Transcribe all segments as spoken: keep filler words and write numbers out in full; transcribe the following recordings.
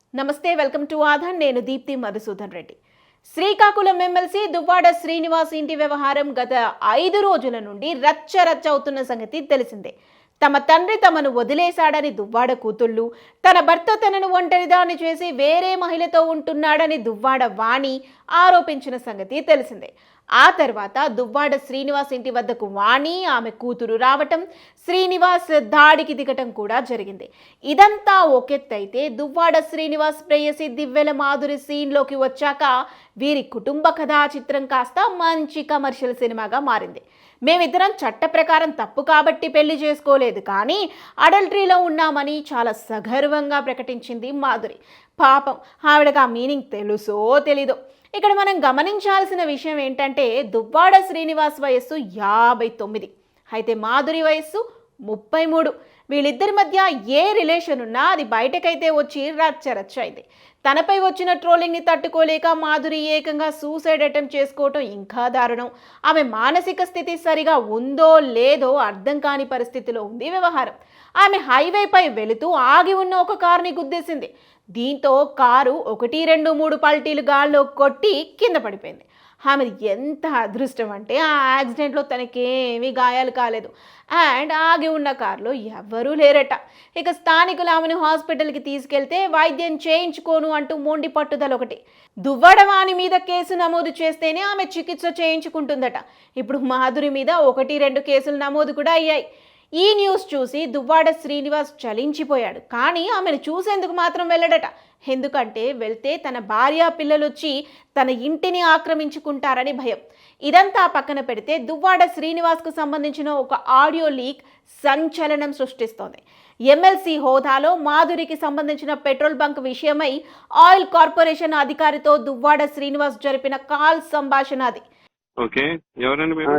నమస్తే, welcome to Aadhan. నేను Deepti Madhusudan Reddy. Srikakulam MLC Duvvada Srinivas ఇంటి వ్యవహారం గత ఐదు రోజుల నుండి రచ్చ రచ్చ అవుతున్న సంగతి తెలిసిందే. తమ తండ్రి తమను వదిలేశాడని దువ్వాడ కూతుళ్ళు, తన భర్త తనను ఒంటరిదాన్ని చేసి వేరే మహిళతో ఉంటున్నాడని దువ్వాడ వాణి ఆరోపించిన సంగతి తెలిసిందే. ఆ తర్వాత దువ్వాడ శ్రీనివాస్ ఇంటి వద్దకు వాణి, ఆమె కూతురు రావటం, శ్రీనివాస్ దాడికి దిగటం కూడా జరిగింది. ఇదంతా ఒకెత్తైతే దువ్వాడ శ్రీనివాస్ ప్రేయసి దివ్వెల మాధురి సీన్లోకి వచ్చాక వీరి కుటుంబ కథా చిత్రం కాస్త మంచి కమర్షియల్ సినిమాగా మారింది. మేమిద్దరం చట్ట ప్రకారం తప్పు కాబట్టి పెళ్లి చేసుకోలేదు, కానీ అడల్టరీలో ఉన్నామని చాలా సగర్వంగా ప్రకటించింది మాధురి. పాపం ఆవిడకి ఆ మీనింగ్ తెలుసో తెలీదో. ఇక్కడ మనం గమనించాల్సిన విషయం ఏంటంటే, దువ్వాడ శ్రీనివాస్ వయస్సు యాభై తొమ్మిది అయితే మాధురి వయస్సు ముప్పై మూడు. వీళ్ళిద్దరి మధ్య ఏ రిలేషన్ ఉన్నా అది బయటకైతే వచ్చి రచ్చ రచ్చ అయింది. తనపై వచ్చిన ట్రోలింగ్ని తట్టుకోలేక మాధురి ఏకంగా సూసైడ్ అటెంప్ట్ చేసుకోవటం ఇంకా దారుణం. ఆమె మానసిక స్థితి సరిగా ఉందో లేదో అర్థం కాని పరిస్థితిలో ఉంది వ్యవహారం. ఆమె హైవేపై వెళుతూ ఆగి ఉన్న ఒక కారుని గుద్దేసింది. దీంతో కారు ఒకటి రెండు మూడు పల్టీలు గాల్లో కొట్టి కింద పడిపోయింది. ఆమెది ఎంత అదృష్టం అంటే ఆ యాక్సిడెంట్లో తనకేమీ గాయాలు కాలేదు. అండ్ ఆగి ఉన్న కారులో ఎవ్వరూ లేరట. ఇక స్థానికులు ఆమెను హాస్పిటల్కి తీసుకెళ్తే వైద్యం చేయించుకోను అంటూ మొండి పట్టుదల ఒకటి. దువ్వడవాణి మీద కేసు నమోదు చేస్తేనే ఆమె చికిత్స చేయించుకుంటుందట. ఇప్పుడు మాధురి మీద ఒకటి రెండు కేసులు నమోదు కూడా అయ్యాయి. ఈ న్యూస్ చూసి దువ్వాడ శ్రీనివాస్ చలించిపోయాడు. కానీ ఆమెను చూసేందుకు మాత్రం వెళ్ళడట. ఎందుకంటే వెళ్తే తన భార్య పిల్లలు వచ్చి తన ఇంటిని ఆక్రమించుకుంటారని భయం. ఇదంతా పక్కన పెడితే దువ్వాడ శ్రీనివాస్కు సంబంధించిన ఒక ఆడియో లీక్ సంచలనం సృష్టిస్తోంది. ఎమ్మెల్సీ హోదాలో మాధురికి సంబంధించిన పెట్రోల్ బంక్ విషయమై ఆయిల్ కార్పొరేషన్ అధికారితో దువ్వాడ శ్రీనివాస్ జరిపిన కాల్ సంభాషణ అది. ఓకే, ఎవరండి మీరు?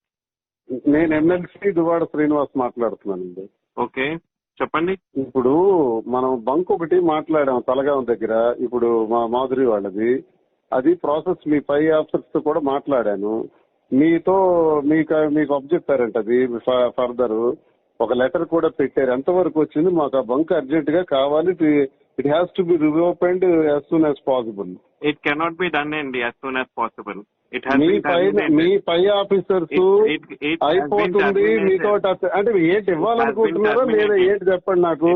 నేను ఎమ్మెల్సీ దువ్వాడ శ్రీనివాస్ మాట్లాడుతున్నానండి. ఓకే, చెప్పండి. ఇప్పుడు మనం బంక్ ఒకటి మాట్లాడాం తలగాం దగ్గర. ఇప్పుడు మా మాధురి వాళ్ళది అది ప్రాసెస్, మీ పై ఆఫీసర్స్ తో కూడా మాట్లాడాను. మీతో మీకు మీకు అప్ చెప్పారంట, అది ఫర్దర్ ఒక లెటర్ కూడా పెట్టారు. ఎంతవరకు వచ్చింది? మాకు ఆ బంక్ అర్జెంట్ గా కావాలి. It has to be reopened as soon as possible. It cannot be done అండి యాజ్ సూన్ యాజ్ పాసిబుల్. మీ పై మీ పై ఆఫీసర్స్ అయిపోతుంది మీతో అంటే ఏంటి ఇవ్వాలనుకుంటున్నారో లేదా ఏంటి చెప్పండి నాకు.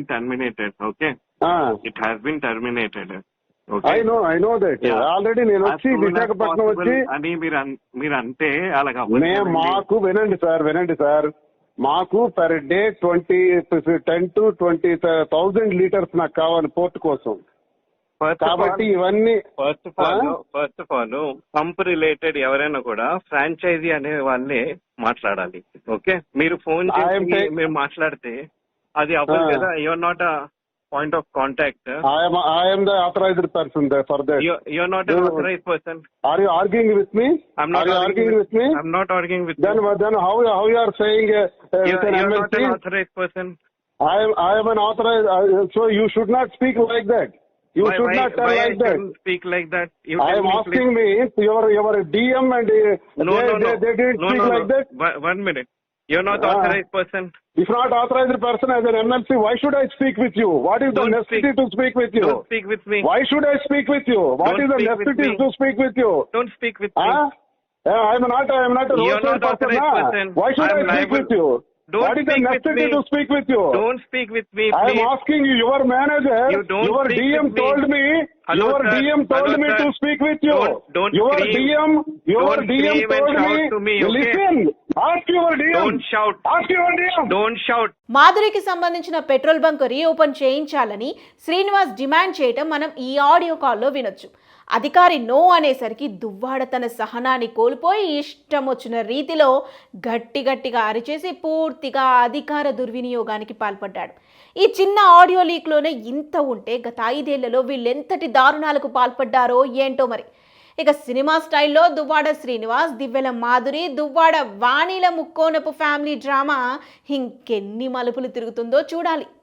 Okay, it has been terminated. I know I know that already. నేను వచ్చి విశాఖపట్నం వచ్చి అని మీరు మీరు అంటే అలాగా మేము మాకు వినండి సార్ వినండి సార్ మాకు per day twenty ten to twenty thousand litres నాకు కావాలి పోర్ట్ కోసం. కాబట్టి ఇవన్నీ first of all first of all pump related ఎవరైనా కూడా ఫ్రాంచైజీ అనే వాళ్ళే మాట్లాడాలి. ఓకే, మీరు ఫోన్ చేసి మీరు మాట్లాడితే అది అవ్వదు కదా. Your not a point of contact. I am the authorized person for that. You are not an authorized person. Are you arguing with me? I'm not are you arguing with, with me. I'm not arguing with then, you. Then how how you are saying uh, you, with an you are M L C? not an authorized person. I am I am an authorized. Uh, so you should not speak like that. You why, should why, not tell why like I that. Speak like that. You I am me, asking please. me your your D M and uh, no, they, no, no. they, they didn't no, speak no, like no. that. One minute. You're not Ah. authorized person. If not authorized person as an M L C, why should I speak with you? What is Don't the necessity speak. to speak with you? Don't speak with me. Why should I speak with you? What Don't is the speak with necessity me. to speak with you? Don't speak with Huh? me. Yeah, I am not. I am not a You're roadside not person. authorized Nah. person. Why should I I am speak liable. with you? Don't What is the speak with necessity me. to speak with you? Don't speak with me, I am please. asking you. Your manager, You don't your speak D M with me. told me. Hello, your sir. D M told Hello, me sir. to speak with you. Don't- don't your scream. D M, your Don't D M scream and told shout me. to me, okay? Listen. Ask your D M. Don't shout. Ask your D M. Don't shout. మాధురికి సంబంధించిన petrol bunk reopen చేయించాలని Srinivas demand చేయటం మనం ఈ audio కాల్లో వినొచ్చు. అధికారి no అనేసరికి దువ్వాడ తన సహనాన్ని కోల్పోయి ఇష్టం వచ్చిన రీతిలో గట్టి గట్టిగా అరిచేసి పూర్తిగా అధికార దుర్వినియోగానికి పాల్పడ్డాడు. ఈ చిన్న ఆడియో లీక్లోనే ఇంత ఉంటే గత ఐదేళ్లలో వీళ్ళెంతటి దారుణాలకు పాల్పడ్డారో ఏంటో మరి. ఇక సినిమా స్టైల్లో దువ్వాడ శ్రీనివాస్, దివ్వెల మాధురి, దువ్వాడ వాణిల ముక్కోనపు ఫ్యామిలీ డ్రామా ఇంకెన్ని మలుపులు తిరుగుతుందో చూడాలి.